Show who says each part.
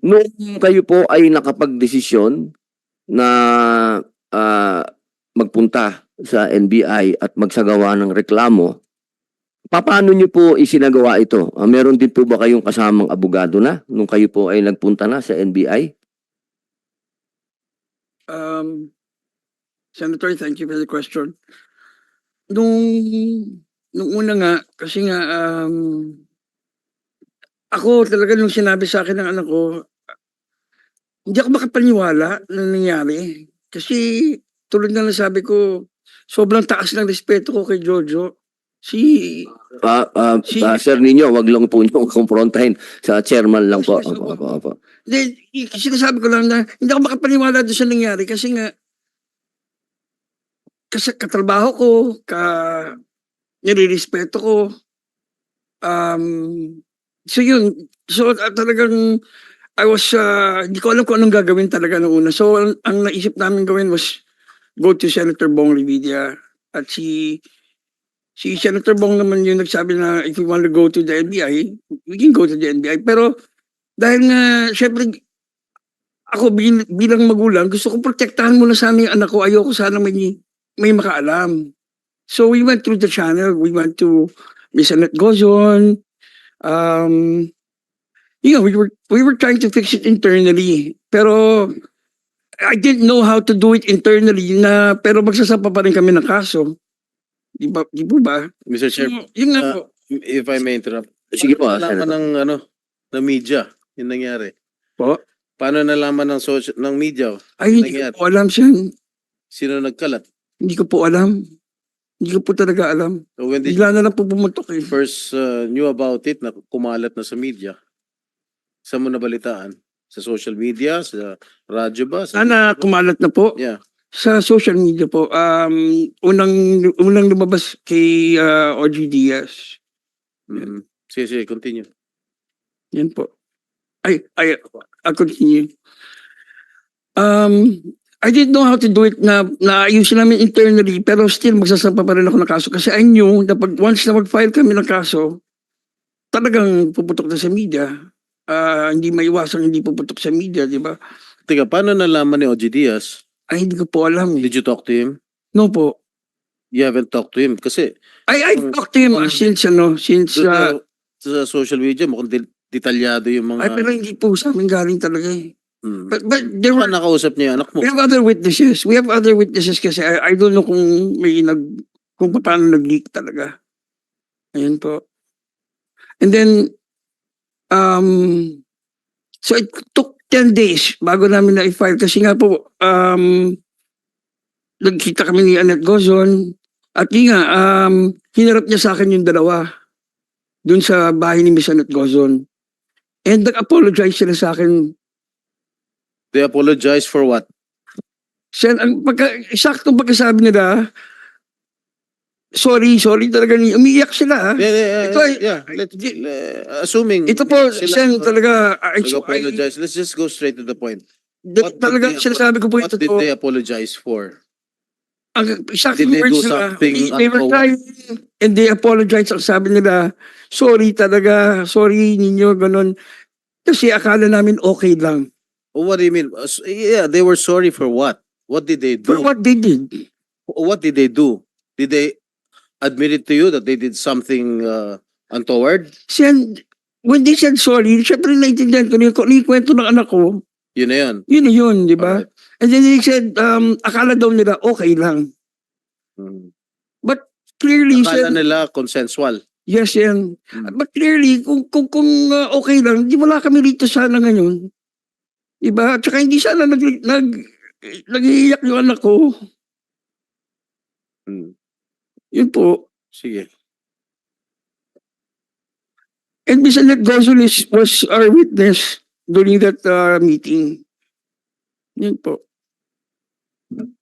Speaker 1: Nung kayo po ay nakapagdesisyon na magpunta sa NBI at magsagawa ng reklamo, paano niyo po isinagawa ito? Meron din po ba kayong kasamang abogado na nung kayo po ay nagpunta na sa NBI?
Speaker 2: Senator, thank you for the question. Nung una nga, kasi nga, ako talaga nung sinabi sa akin ng anak ko, hindi ako makapaniwala na nangyari. Kasi tulad na nasabi ko, sobrang taas ng respeto ko kay Jojo.
Speaker 1: Sir ninyo, wag lang po nyo kumprontahin sa chairman lang po.
Speaker 2: Yes, opo. Then, sinasabi ko lang na hindi ako makapaniwala doon sa nangyari kasi nga, kasi katrabaho ko, nilirespeto ko. So yun, so talagang hindi ko alam kung anong gagawin talaga noong una. So ang naisip namin gawin was go to Senator Bong Revilla. At si Senator Bong naman yung nagsabi na if we want to go to the NBI, we can go to the NBI. Pero dahil nga, syempre, ako bilang magulang, gusto ko protektahan muna sana yung anak ko. Ayoko sana may makaalam. So we went through the channel. We went to Miss Annette Gozon. We were trying to fix it internally. Pero I didn't know how to do it internally pero magsasapa pa rin kami ng kaso. Di po ba?
Speaker 3: Mr. Chair,
Speaker 2: Yun nga po.
Speaker 3: if I may interrupt.
Speaker 1: Sige po,
Speaker 3: Nalaman ng media yung nangyari.
Speaker 2: Po?
Speaker 3: Paano nalaman ng media?
Speaker 2: Ay, hindi ko po alam siya.
Speaker 3: Sino nagkalat?
Speaker 2: Hindi ko po alam. Hindi ko po talaga alam.
Speaker 3: So when did
Speaker 2: Bigla na lang po bumutok eh.
Speaker 3: first knew about it, na kumalat na sa media? Saan mo nabalitaan? Sa social media? Sa radyo ba?
Speaker 2: Sana kumalat na po.
Speaker 3: Yeah.
Speaker 2: Sa social media po. Unang lumabas kay OG Diaz.
Speaker 3: Mm. Sige, continue.
Speaker 2: Yan po. I'll continue. I didn't know how to do it na ayusin namin internally pero still magsasampa pa rin ako ng kaso kasi I knew na once na mag-file kami ng kaso, talagang puputok na sa media. Hindi maiwasang hindi puputok sa media, di ba?
Speaker 3: Teka, paano nalaman ni OG Diaz?
Speaker 2: Ay, hindi ko po alam.
Speaker 3: Did you talk to him?
Speaker 2: No po.
Speaker 3: You haven't talked to him kasi
Speaker 2: I talked to him since
Speaker 3: sa social media mukhang detalyado yung mga...
Speaker 2: Ay, pero hindi po sa amin galing talaga eh.
Speaker 3: Hmm.
Speaker 2: But there were,
Speaker 3: Saan nakausap niya yung anak mo?
Speaker 2: we have other witnesses. We have other witnesses kasi I don't know kung kung paano nag-leak talaga. Ayan po. And then, so it took 10 days bago namin na-file kasi nga po, nagkita kami ni Annette Gozon at yun nga, hinarap niya sa akin yung dalawa dun sa bahay ni Miss Annette Gozon. And nag-apologize sila sa akin.
Speaker 3: They apologize for what?
Speaker 2: Saktong pagkasabi nila, sorry talaga, umiiyak sila.
Speaker 3: Assuming
Speaker 2: Ito po,
Speaker 3: sila
Speaker 2: Sen, talaga,
Speaker 3: apologize. Let's just go straight to the point.
Speaker 2: talaga, sinasabi ko po
Speaker 3: What
Speaker 2: ito
Speaker 3: did
Speaker 2: po.
Speaker 3: they apologize for?
Speaker 2: Ang exact
Speaker 3: Did they do
Speaker 2: words nila,
Speaker 3: something
Speaker 2: they were
Speaker 3: untoward?
Speaker 2: crying and they apologized. Ang sabi nila, sorry talaga, sorry ninyo, ganun. Kasi akala namin okay lang.
Speaker 3: What do you mean? Yeah, they were sorry for what? What did they
Speaker 2: For
Speaker 3: do?
Speaker 2: what they did.
Speaker 3: What did they do? Did they admit it to you that they did something untoward?
Speaker 2: When they said sorry, syempre naiintindihan ko kung ano yung kwento ng anak ko,
Speaker 3: Yun na yun.
Speaker 2: yun na yun, di ba?
Speaker 3: Alright.
Speaker 2: And then they said, akala daw nila okay lang.
Speaker 3: Hmm.
Speaker 2: But clearly,
Speaker 3: Akala
Speaker 2: Sen,
Speaker 3: nila consensual.
Speaker 2: yes yan.
Speaker 3: Hmm.
Speaker 2: But clearly, kung okay lang, di wala kami rito sana ngayon. Diba? At saka hindi sana nag-iiyak yung anak ko.
Speaker 3: Hmm.
Speaker 2: Yun po.
Speaker 3: Sige.
Speaker 2: And Miss Annette Gozon was our witness during that meeting. Yun po.